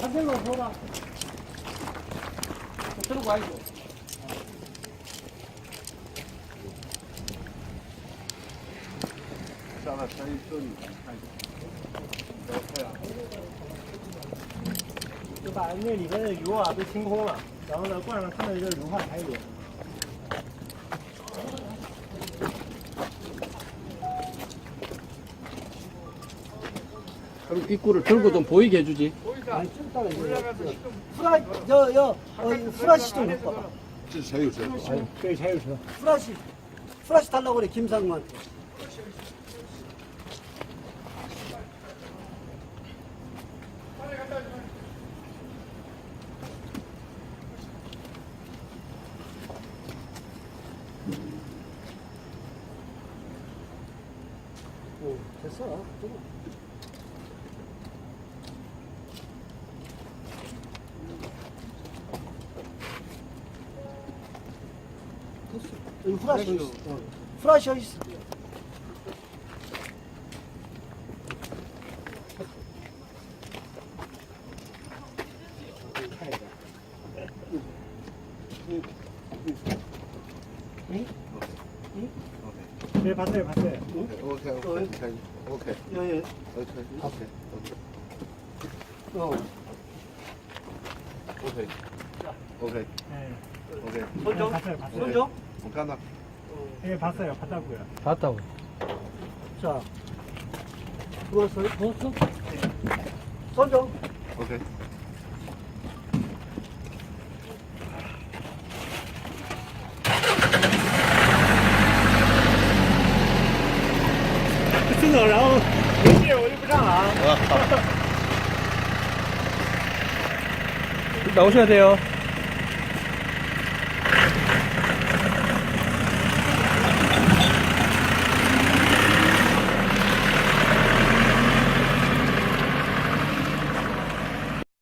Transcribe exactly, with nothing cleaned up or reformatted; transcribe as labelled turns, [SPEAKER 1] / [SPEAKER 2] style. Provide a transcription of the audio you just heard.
[SPEAKER 1] 사생로 줘라. 들고 와이고.
[SPEAKER 2] 下来可以这里看一下。对啊。
[SPEAKER 1] 就把那里边的油啊都清空了，然后呢罐上看到一个硫化柴油。
[SPEAKER 3] 그럼 입구를 들고 좀 보이게 해주지.
[SPEAKER 1] 아니 좀 이따가 이제 후라 여여 어, 후라시 좀 갖고 와봐.
[SPEAKER 2] 这是谁有车？
[SPEAKER 1] 저기 자유车. 후라시 후라시 달라고 그래 김상무한테. 오 됐어. 조금. 여기 후라시 어디 있어? 어. 후라시 어디 있어? 응? 응? 네 봤어요 봤어요. 응?
[SPEAKER 2] OK OK可以 OK
[SPEAKER 1] 예예.
[SPEAKER 2] OK OK
[SPEAKER 1] 어.
[SPEAKER 2] OK OK
[SPEAKER 1] 네.
[SPEAKER 2] OK
[SPEAKER 1] 손정? 봤어요 봤어요. 손정?
[SPEAKER 2] 我看到。
[SPEAKER 1] 예 봤어요 봤다고요.
[SPEAKER 3] 봤다고.
[SPEAKER 1] 자. 누웠어요? 누웠어? 손정?
[SPEAKER 2] OK。
[SPEAKER 1] 真的，然后没事我就不上了啊。
[SPEAKER 3] 나오셔야 돼요.